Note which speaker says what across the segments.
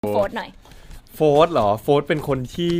Speaker 1: โฟร์ธหน่อย
Speaker 2: โฟร์ธเหรอโฟร์ธเป็นคนที่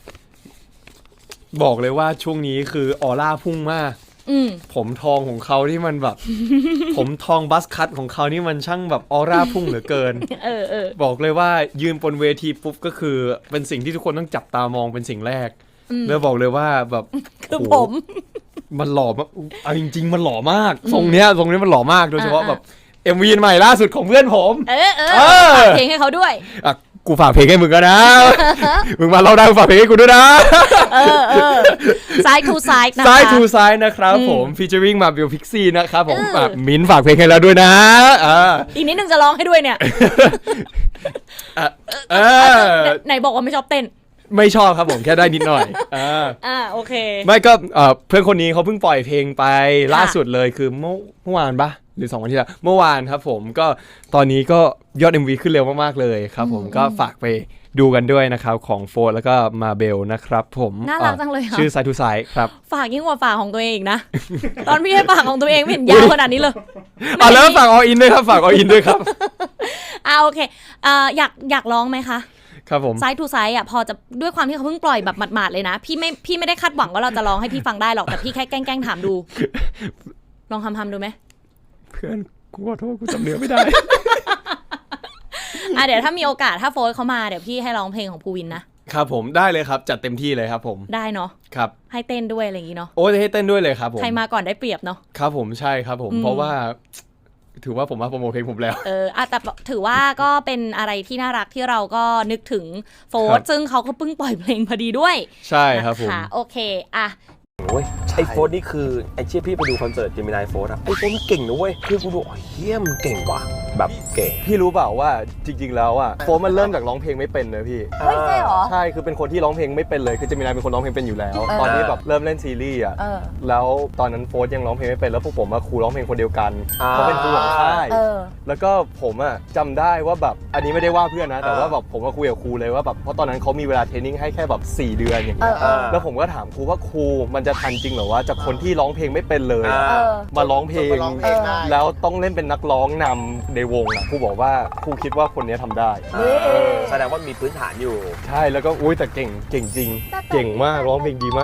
Speaker 2: บอกเลยว่าช่วงนี้คือออร่าพุ่งมากผมทองของเขาที่มันแบบ ผมทองบัสคัทของเขานี่มันช่างแบบออร่าพุ่งเหลือเกินบอกเลยว่ายืนบนเวทีปุ๊บก็คือเป็นสิ่งที่ทุกคนต้องจับตามองเป็นสิ่งแรกแล้วบอกเลยว่าแบบ
Speaker 1: คือผม
Speaker 2: มันหล่อมากเอาจริงๆมันหล่อมากทรงเนี้ยมันหล่อมากโดยเฉพาะแบบ MV ใหม่ล่าสุดของเพื่อนผม
Speaker 1: ฝากเพลงให้เขาด้วย
Speaker 2: กูฝากเพลงให้มึงก็นะ มึงมาเล่าได้กูฝากเพลงให้กูด้วยนะ
Speaker 1: ซ้ายทูซ้ายนะคะ
Speaker 2: ซ้ายทูซ้ายนะครับผมฟีเจอริ่งมาบิลพิกซี่นะครับผมมิ้นฝากเพลงให้แล้วด้วยนะ
Speaker 1: อีกนิดนึงจะร้องให้ด้วยเนี่ยไหนบอกว่าไม่ชอบเต้น
Speaker 2: ไม่ชอบครับผมแค่ได้นิดหน่อย
Speaker 1: โอเค
Speaker 2: ไม่ก็เพื่อนคนนี้เขาเพิ่งปล่อยเพลงไปล่าสุดเลยคือเมื่อวานปะหรือ2 วันที่แล้วเมื่อวานครับผมก็ตอนนี้ก็ยอด MV ขึ้นเร็วมากๆเลยครับผมก็ฝากไปดูกันด้วยนะครับของโฟร์แล้วก็มาเบลนะครับผม
Speaker 1: น่ารักจังเลยค่ะ
Speaker 2: ชื่อไซทูไซครับ
Speaker 1: ฝากยิ่งกว่าฝากของตัวเองอีกนะ ตอนพี่ให้ฝากของตัวเองไม่เห็นยาวขนาดนี้เลย
Speaker 2: แล้วฝากออินด้วยครับฝากออินด้วยครับ
Speaker 1: โอเคอยากร้องไหมคะ
Speaker 2: ครับผม
Speaker 1: ไซด์ทูไซด์พอจะด้วยความที่เขาเพิ่งปล่อยแบบหมาดๆเลยนะพี่ไม่ได้คาดหวังว่าเราจะร้องให้พี่ฟังได้หรอกแต่พี่แค่แกล้งถามดูลองทำดูไหม
Speaker 2: เพื่อนกูขอโทษกูจำเนื้อไม่ได้
Speaker 1: เดี๋ยวถ้ามีโอกาสถ้าโฟร์เขามาเดี๋ยวพี่ให้ร้องเพลงของภูวินนะครับ
Speaker 2: ผมได้เลยครับจัดเต็มที่เลยครับผม
Speaker 1: ได้เนาะ
Speaker 2: ครับ
Speaker 1: ให้เต้นด้วยอะไรอย่างงี้เนาะ
Speaker 2: โอ้ให้เต้นด้วยเลยครับผม
Speaker 1: ใครมาก่อนได้เปรียบเนาะ
Speaker 2: ครับผมใช่ครับผมเพราะว่าถือว่าผมมาโปรโมทเพลงผมแล้ว
Speaker 1: แต่ถือว่าก็เป็นอะไรที่น่ารักที่เราก็นึกถึงโฟร์ซึ่งเขาก็เพิ่งปล่อยเพลงพอดีด้วย
Speaker 2: ใช่ครับผม
Speaker 1: โอเค
Speaker 3: โอ้ยไอโฟร์นี่คือไอเชี่ยพี่ไปดูคอนเสิร์ตเจมินายโฟร์อะไอโฟร์มันเก่งนะเว้ยคือกูดูเฮี้ยมเก่งว่ะแบบเก่ง
Speaker 2: พี่รู้เปล่าว่าจริงๆแล้วอะโฟร์มันเริ่มจากร้องเพลงไม่เป็นเลยพี่
Speaker 1: ใช่หรอ
Speaker 2: ใช่คือเป็นคนที่ร้องเพลงไม่เป็นเลยคือเจมินายเป็นคนร้องเพลงเป็นอยู่แล้วตอนนี้แบบเริ่มเล่นซีรีส์อะแล้วตอนนั้นโฟร์ยังร้องเพลงไม่เป็นแล้วพวกผมมาครูร้องเพลงคนเดียวกันเขาเป็นครูของค่ายแล้วก็ผมอะจำได้ว่าแบบอันนี้ไม่ได้ว่าเพื่อนนะแต่ว่าแบบผมมาคุยกับครูเลยว่าแบบเพราะตอนนั้นเขามีเวลาเทรนนิ่งให้แค่แบบ4 เดือนอย่างเงี้ยแล้วผมก็ถามครูว่าครูมันจะทันจริงเหรอว่าจากคนที่ร้องเพลงไม่เป็นเลยมาร้องเพลงแล้วต้องเล่นเป็นนักร้องนำในวงครูบอกว่าครูคิดว่าคนนี้ทำได้
Speaker 3: แสดงว่ามีพื้นฐานอยู่
Speaker 2: ใช่แล้วก็อุ้ยแต่เก่งจริงเก่งมากร้องเพลงดีมาก